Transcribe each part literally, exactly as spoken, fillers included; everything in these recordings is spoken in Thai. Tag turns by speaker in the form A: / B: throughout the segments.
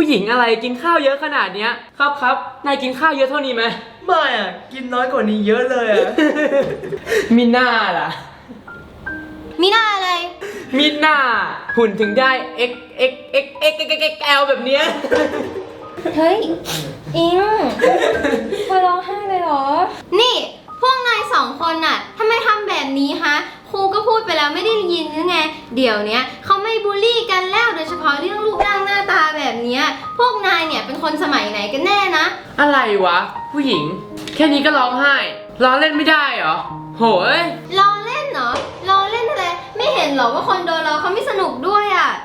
A: หญิงอะไรกินข้าวเยอะขนาดเนี้ยครับครับนายกินข้าวเยอะเท่านี้ไหม
B: ไม่อ่ะกินน้อยกว่านี้เยอะเลยอ่ะ
A: มีหน้าล่ะ
C: มีหน้าอะไร
A: มีหน้าหุ่นถึงได้ x x x x x x l แบบเนี้ย
C: เฮ้ยอิงมาร้องไห้เลยเหรอนี่พวกนายสองคนน่ะทำไมทำแบบนี้ฮะครูก็พูดไปแล้วไม่ได้ยินหรือไงเดี๋ยวเนี้ยเขาไม่บูลลี่กันแล้วโดยเฉพาะเรื่องรูปร่างหน้าตาแบบเนี้ยพวกนายเนี่ยเป็นคนสมัยไหนกันแน่นะ
A: อะไรวะผู้หญิงแค่นี้ก็ร้องไห้ร้องเล่นไม่ได้เหรอโหย
C: ล้อเล่นเหรอล้อเล่นอะไรไม่เห็นเหรอว่าคนโดนเราเขาไม่สนุกด้วยอ่ะ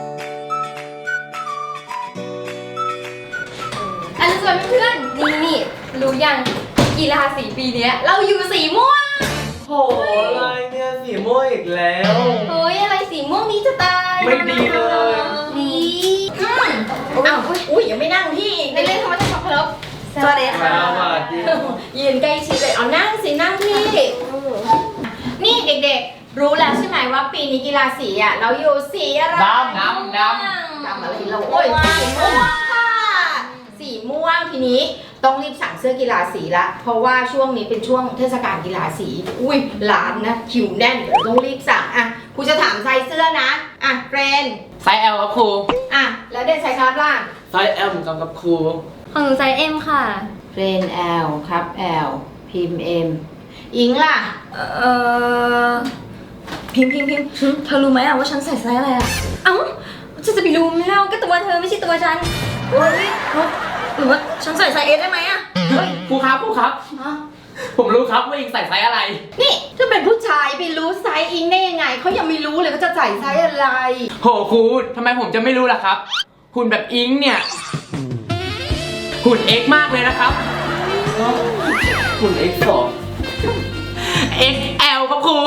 C: อันนี้ส่วนเพื่อนนี่นี่รู้ยังกีฬาสีปีนี้เราอยู่สีม่วง
B: โหอะไรเนี่ยสีม่วงอีกแล้ว
C: เฮ้ยอะไรสีม่วงนี้จะตาย
B: ไม่ดีเลย
C: ดีอืม
D: อ้าวอุ้ยยังไม่นั่งพี่
C: ในเล่นธรรมชาติครบ
D: สวัสดีค่ะ
C: ยืนใกล้ชิดเลยเอานั่งสินั่งพี่
D: นี่เด็กๆรู้แล้วใช่ไหมว่าปีนี้กีฬาสีอ่ะเราอยู่สีอะไร
A: ดำดำดำ
D: ดำอะไรเราโอ้ยสีม่วงค่ะสีม่วงทีนี้ต้องรีบสั่งเสื้อกีฬาสีละเพราะว่าช่วงนี้เป็นช่วงเทศกาลกีฬาสีอุ้ยหลานนะคิวแน่นเดี๋ยวต้องรีบสั่งอ่ะครูจะถามไซส์เสื้อนะอ่ะเฟรน
A: ไซส์ L ครับครู
D: อ่ะแล้วเด็กไซส์ครับล่ะ
A: ไซส์ L เหมือนกันกับครู
C: ของหนูไซส์ M ค่ะ
D: เฟรน L ครับ L พิมพ์ M อิงล่ะ
C: เอ่อพิมพ์พิมพ์พิมพ์เธอรู้ไหมอะว่าฉันใส่ไซส์อะไรอะเอ้าฉันจะไปรู้ไหมเล่าก็ตัวเธอไม่ใช่ตัวฉันเฮ้ยหรือว่าฉันใส่ไซส์ S ได้ไหมอะ
A: ครูครับครูครับผมรู้ครับว่าอิงใส่ไซส์อะไร
D: นี่ถ้าเป็นผู้ชายไปรู้ไซส์อิงได้ยังไงเขายังไม่รู้เลยว่าจะใส่ไซส์อะไร
A: โหครูทำไมผมจะไม่รู้ล่ะครับหุ่นแบบอิงเนี่ยหุ่น X มากเลยนะครับ
B: หุ่น เอ็กซ์ สอง
A: เอ็กซ์ แอล ครับครู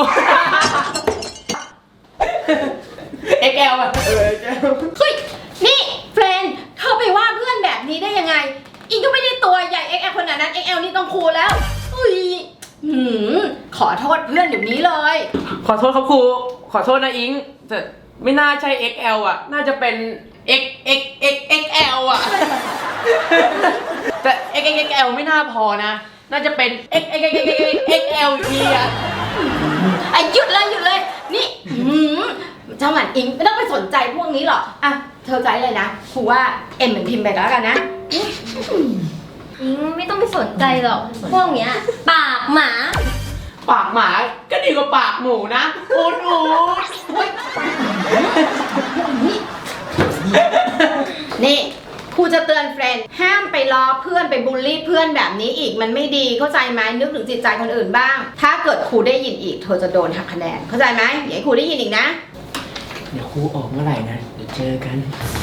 A: เอ็กซ์ แอล อ่ะ
B: เออเจ้า
D: เฮ้ยนี่เฟรนเธอไปว่าเพื่อนแบบนี้ได้ยังไงอิงก็ไม่ได้ตัวใหญ่ เอ็กซ์ แอล ขนาดนั้น เอ็กซ์ แอล นี่ต้องครูแล้วอุ้ยหืมขอโทษเพื่อนเดี๋ยวนี้เลย
A: ขอโทษครับครูขอโทษนะอิงแต่ไม่น่าใช่ เอ็กซ์ แอล อ่ะน่าจะเป็น X X X X L อ่ะแต่ X X X L ไม่น่าพอนะน่าจะเป็น X X X X X L อีกอ่ะ
D: ไอ้หยุดเลยหยุดเลยนี่เจ้าหมันอิงไม่ต้องไปสนใจพวกนี้หรอกอ่ะเธอใจเลยนะครูว่าเอ็มเหมือนพิมพ์ไปแล้วกันนะ
C: อิงไม่ต้องไปสนใจหรอกพวกเนี้ยปากหมา
A: ปากหมาก็ดีกว่าปากหมูนะอูดอูด
D: นี่ครูจะเตือนเฟรนด์ห้ามไปล้อเพื่อนไปบูลลี่เพื่อนแบบนี้อีกมันไม่ดีเข้าใจไหมนึกถึงจิตใจคนอื่นบ้างถ้าเกิดครูได้ยินอีกเธอจะโดนหักคะแนนเข้าใจไหมอย่าให้ครูได้ยินอีกนะ
A: เดี๋ยวครูออกเมื่อไหร่นะเดี๋ยวเจอกัน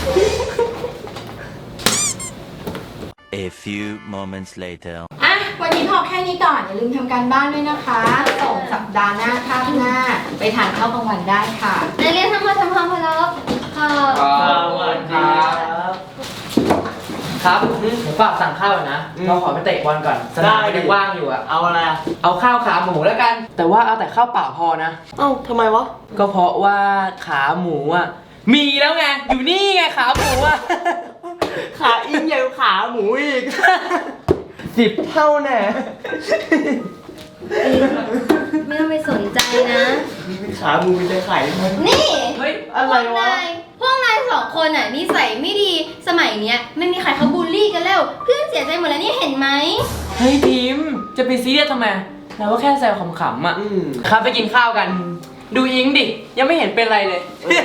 E: A few moments later
D: อ่ะวันนี้พอแค่นี้ก่อนอย่าลืมทำการบ้านด้วยนะคะส่งสัปดาห์หน้าคาบหน้าไปทานข้าวกลางวันได้ค่ะ
C: นักเรียนทั้งหมดทำความเคารพค่ะ
B: สวัสดีครับ
A: ครับผมฝากสั่งข้าวนะเราขอไปเตะบอลก่อนสนามยังว่างอยู่อะ
B: เอาอะไร
A: เอาข้าวขาหมูแล้วกันแต่ว่าเอาแต่ข้าวเปล่าพอนะ
B: เอ้าทำไมวะ
A: ก็เพราะว่าขาหมูอะมีแล้วไงอยู่นี่ไงขาหมูอะ
B: ขาอิงใหญ่กว่าขาหมูอีกสิบเท่าแน่
C: ไม่ต้องไปสนใจนะ
B: ขาหมูจะไข่
C: นี่
A: เฮ้ย
B: อะไรวะ
C: พวกนายสองคนอ่ะนิสัยไม่ดีสมัยเนี้ยไม่มีใครเขาบูลลี่กันแล้วเพื่อนเสียใจหมดแล้วนี่เห็นไหม
A: เฮ้ยพิมจะไปซีเรียสทำไมเราก็แค่แซวขำๆอ่ะครับไปกินข้าวกันดูอิงดิยังไม่เห็นเป็นไรเลย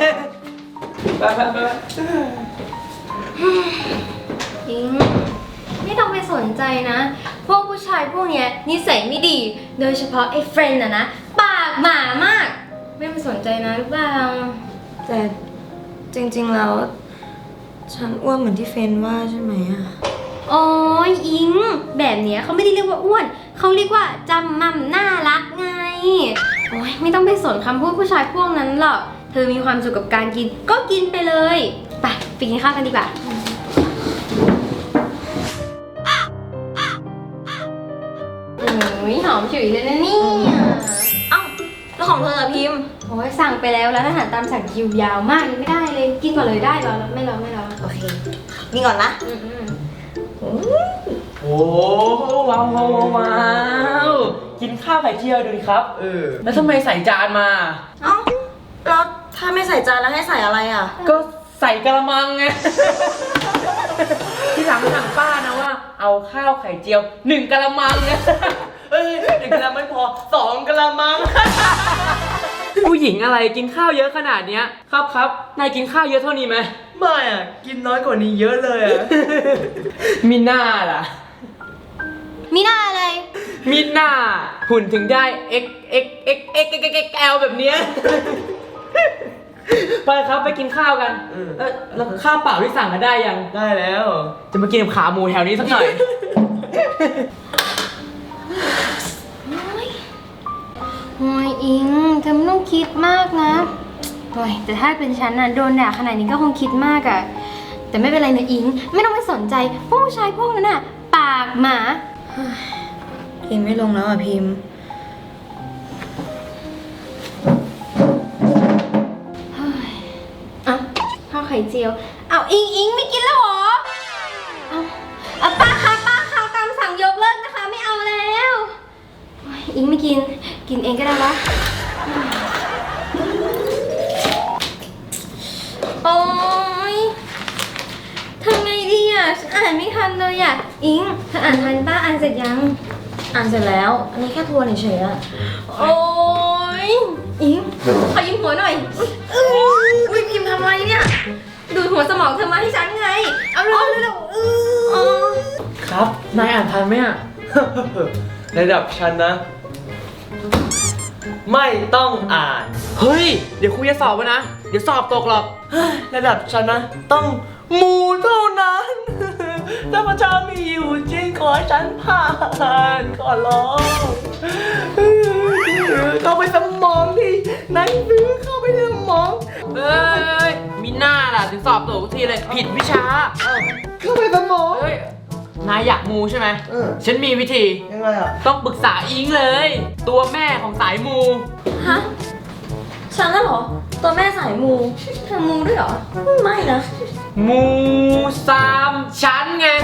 C: อิงไม่ต้องไปสนใจนะพวกผู้ชายพวกเนี้ยนิสัยไม่ดีโดยเฉพาะไอ้เฟรนด์อะนะปากหมามากไม่ไปสนใจนะหรือเปล่า
F: แต่จริงๆแล้วฉันอ้วนเหมือนที่เฟนว่าใช่ไหมอะ
C: โอ้ยอิงแบบเนี้ยเขาไม่ได้เรียกว่าอ้วนเขาเรียกว่าจำมั่มน่ารักไงโอ้ยไม่ต้องไปสนคำพูดผู้ชายพวกนั้นหรอกเธอมีความสุขกับการกินก็กินไปเลยไปไปกินข้าวกันดีกว่าโอ้ยหอมฉุยเลยนะนี่
F: เอ้าแล้วของเธอพิมพ์
C: โอ้ยสั่งไปแล้วแล้วอาหารตามสั่งคิวยาวมากยังไม่ได้เลยกินก่อนเลยได้เหรอไม่รอไม่รอ
F: โอเคเค นี่ก่อนนะ
B: โอ้ว้าวว้าวว้าวกินข้าวไข่เจียวดูดิครับ เออ
A: แล้วทำไมใส่จานมา
F: เอ้า แล้วถ้าไม่ใส่จานแล้วให้ใส่อะไรอ่ะ
A: ก็ใส่กระมังไง ที่หลังสั่งป้านะว่า เอาข้าวไข่เจียวหนึ่งกระมังนะ
B: เอ้ยหนึ่งกะละไม่พอสองกะละมัง
A: ผู้หญิงอะไรกินข้าวเยอะขนาดเนี้ย ครับครับนายกินข้าวเยอะเท่านี้ไหม
B: ไม่อ่ะ กินน้อยกว่านี้เยอะเลยอ่ะ
A: มีหน้าล่ะ
C: มีหน้าอะไร
A: มีหน้าหุ่นถึงได้ x x x x x x l แบบเนี้ย ไปครับไปกินข้าวกัน
B: เออ
A: เออแล้วข้าวเปล่าที่สั่งกันได้ยัง
B: ได้แล้ว
A: จะมากินกับขาหมูแถวนี้สักหน่อย
C: โอ้ยอิงเธอไม่ต้องคิดมากนะโอ้ยแต่ถ้าเป็นฉันน่ะโดนด่าขนาดนี้ก็คงคิดมากอะแต่ไม่เป็นไรนะอิง ไม่ต้องไปสนใจพวกผู้ชายพวกนั้นน่ะ ปากหมา
F: กินไม่ลงแล้วอ่ะพิมพ์
C: เอ้าข้าวไข่เจียว เอาอิงอิงไม่กินแล้วเหรอ เอาเอาป้าคะป้าคะตามสั่งยกเลิกนะคะ ไม่เอาแล้วโอ๊ยอิงไม่กิน กินเองก็ได้วะโอ๊ยทำไงดีอ่ะฉันอ่านไม่ทันเลยอ่ะ อิงเธออ่านทันป้าอ่านเสร็จยัง
F: อ่านเสร็จแล้ว อันนี้แค่ทวนเฉยๆอ่ะ
C: โอ๊ยอิงขอยิ้มหัวหน่อยอื้ออุ้ยพิมพ์ทำอะไรเนี่ย ดูดหัวสมองเธอมาให้ฉันไง เอาเร็วเร็วๆอื้ออ๋อ
A: ครับนายอ่านทันไหมอ่ะ
B: ระดับฉันนะ ไม่ต้องอ่าน
A: เฮ้ย เดี๋ยวครูจะสอบไว้นะ เดี๋ยวสอบตกหรอก
B: ระดับฉันนะ ต้องมูเท่านั้น ถ้าพระเจ้ามีอยู่จริงขอให้ฉันผ่านขอร้องเข้าไปสมองดิหนังสือเข้าไปในสมอง
A: เอ้ย มีหน้าล่ะถึงสอบตกทุกทีเลย ผิดวิชา
B: เข้าไปสมอง
A: เฮ้ย นายอยากมูใช่ไหม
B: เออ
A: ฉันมีวิธี
B: ยังไงอ่ะ
A: ต้องปรึกษาอิงเลย ตัวแม่ของสายมู
F: ฮะ ฉันน่ะเหรอ ตัวแม่สายมู
C: เธอมูด้วยเหรอ
F: ไม่นะ
A: มูสามชั้นไง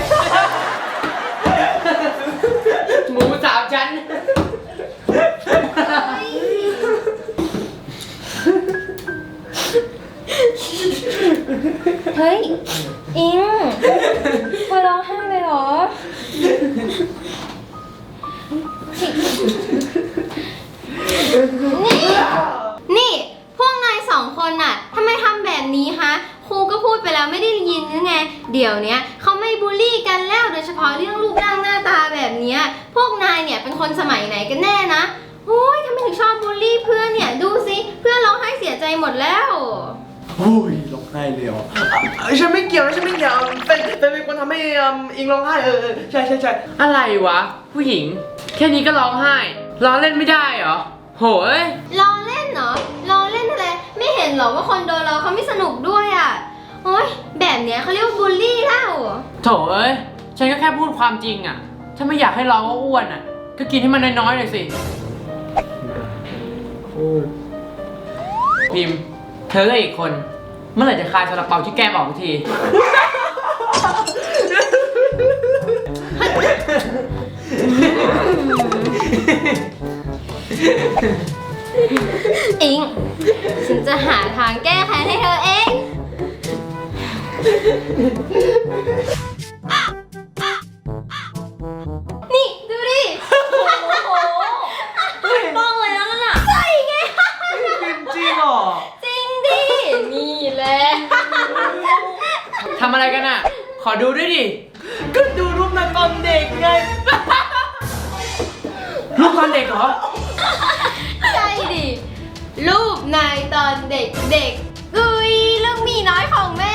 A: หมูสามชั้น
C: เฮ้ย อิงมาร้องไห้เลยเหรอ นี่ นี่ พวกนายสองคนน่ะทำไมทำแบบนี้ฮะ ครูก็พูดไปแล้วไม่ได้ยินหรือไง เดี๋ยวเนี้ยเขาไม่บูลลี่กันแล้วโดยเฉพาะเรื่องรูปร่างหน้าตาแบบเนี้ย พวกนายเนี่ยเป็นคนสมัยไหนกันแน่นะโอ้ยทำไมถึงชอบบูลลี่เพื่อนเนี่ย ดูสิ เพื่อนร้องไห้เสียใจหมดแล้ว
B: โอ้ยร้องไห้เลยเหรออ่ะฉันไม่เกี่ยวนะฉันไม่เกี่ยวเป็นเป็นเป็นคนทำให้อืมอิงร้องไห้เออเออใช่ใช่ใช่
A: อะไรวะ ผู้หญิง แค่นี้ก็ร้องไห้ ร้องเล่นไม่ได้เหรอ โหย
C: ล้อเล่นเหรอล้อเล่นอะไร ไม่เห็นเหรอว่าคนโดนเราเขาไม่สนุกด้วยอ่ะ โอ๊ย แบบเนี้ยเขาเรียกว่าบูลลี่แล้ว
A: โถเอ้ย ฉันก็แค่พูดความจริงอ่ะ ถ้าไม่อยากให้ร้องว่าอ้วนอ่ะ ก็กินให้มันน้อยๆหน่อยสิ
B: โอ้ย
A: พิมพ์ เธอกับอีกคน เมื่อไหร่จะคลายซาลาเปาที่แก้มออกที
C: อิง ฉันจะหาทางแก้แค้นให้เธอเอง นี่ ดูดิ โอ้โห
F: ต้องเลยนะนั่นน่ะ
C: ใช่ไง
B: กินจริงเหรอ
C: จริงดิ นี่แหละ
A: ทำอะไรกันอ่ะ ขอดูด้วยดิ
B: ก็ดูรูปนางตอนเด็กไง
A: รูปตอนเด็กเหรอ
C: ใช่ดิ รูปนายตอนเด็กเด็กๆกุยลูกหมีน้อยของแม่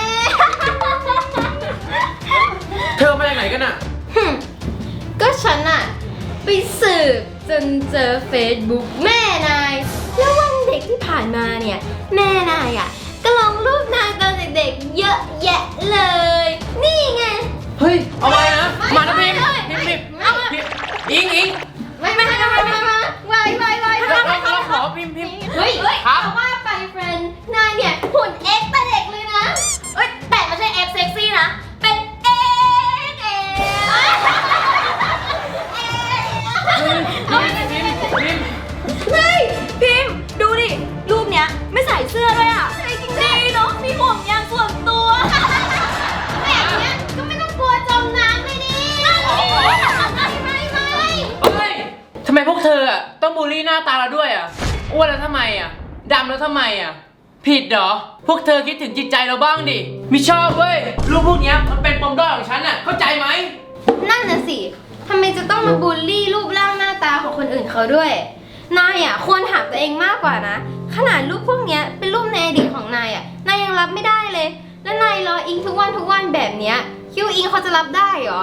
A: เธอมาจากไหนกันอ่ะ
C: หึก็ฉันอะไปสืบจนเจอเฟซบุ๊กแม่นาย แล้ววันเด็กที่ผ่านมาเนี่ย แม่นายอะก็ลงรูปนายตอนเด็กๆเยอะแยะเลย นี่ไง
A: เฮ้ย เอาไว้นะ มานะพิมพ์
C: ไม่
A: พิมพ์
C: ไม่
A: พิมพ์
C: ไม่
A: พิมพ์อิงอิง
C: ไม่ไม่ไม่ไม่ไม่ไม่ไม่ไม่ไม่
A: เราเราเราขอพิมพ์พิมพ์
C: เฮ้ยเฮ้ย
A: ครับ
C: แต่ว่าไปเฟรนด์นายเนี่ยหุ่นเอ็กซ์แต่เด็กเลยนะ เอ้ยแต่ไม่ใช่เอ็กซ์เซ็กซี่
A: อ้วนแล้วทำไมอ่ะดำแล้วทำไมอ่ะผิดเหรอพวกเธอคิดถึงจิตใจเราบ้างดิไม่ชอบเว้ยรูปพวกเนี้ยมันเป็นปมด้อยของฉันอ่ะเข้าใจไหม
C: นั่นน่ะสิทำไมจะต้องมาบูลลี่รูปร่างหน้าตาของคนอื่นเขาด้วย นายอ่ะควรถามตัวเองมากกว่านะ ขนาดรูปพวกเนี้ยเป็นรูปในอดีตของนายอ่ะ นายยังรับไม่ได้เลย แล้วนายรออิงทุกวันทุกวันแบบเนี้ยคิดวาอิงเขาจะรับได้เหรอ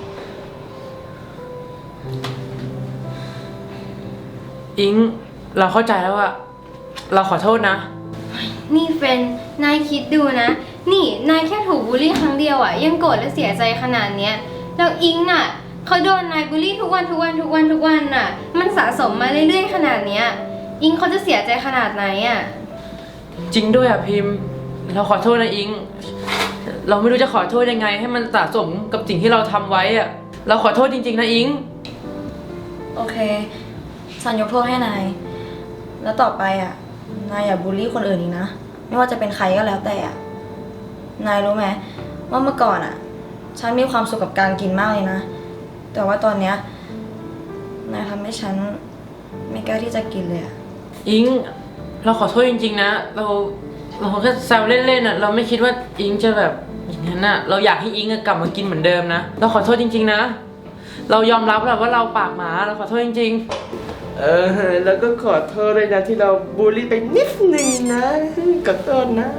A: อิงเราเข้าใจแล้วอะเราขอโทษนะ
C: นี่เฟรนด์นายคิดดูนะ นี่นายแค่ถูกบูลลี่ครั้งเดียวอ่ะยังโกรธและเสียใจขนาดเนี้ย แล้วอิงน่ะเขาโดนนายบูลลี่ทุกวันทุกวันทุกวันทุกวันน่ะ มันสะสมมาเรื่อยๆขนาดเนี้ย อิงเขาจะเสียใจขนาดไหนอ่ะ
A: จริงด้วยอะพิมพ์ เราขอโทษนะอิง เราไม่รู้จะขอโทษยังไง ให้มันสะสมกับสิ่งที่เราทำไว้อะเราขอโทษจริงๆนะอิง
F: โอเคฉันยกโทษให้นาย แล้วต่อไปอ่ะ นายอย่าบูลลี่คนอื่นอีกนะ ไม่ว่าจะเป็นใครก็แล้วแต่อ่ะ นายรู้ไหมว่าเมื่อก่อนอ่ะ ฉันมีความสุขกับการกินมากเลยนะ แต่ว่าตอนเนี้ย นายทำให้ฉันไม่กล้าที่จะกินเลยอ่ะ
A: อิง เราขอโทษจริงๆนะ เราเราแค่แซวเล่นๆอะเราไม่คิดว่าอิงจะแบบอย่างนั้นอะเราอยากให้อิงอะกลับมากินเหมือนเดิมนะ เราขอโทษจริงๆนะ เรายอมรับแหละว่าเราปากหมา เราขอโทษจริงๆ
B: เออแล้วก็ขอโทษเลยนะที่เราบูลลี่ไปนิดนึงนะขอโทษนะ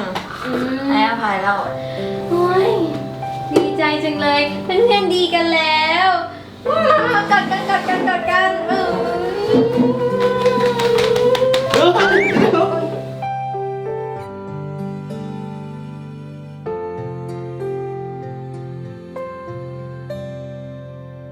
F: ให้อภัยแล้ว
C: โอ้ยดีใจจังเลยเพื่อนๆดีกันแล้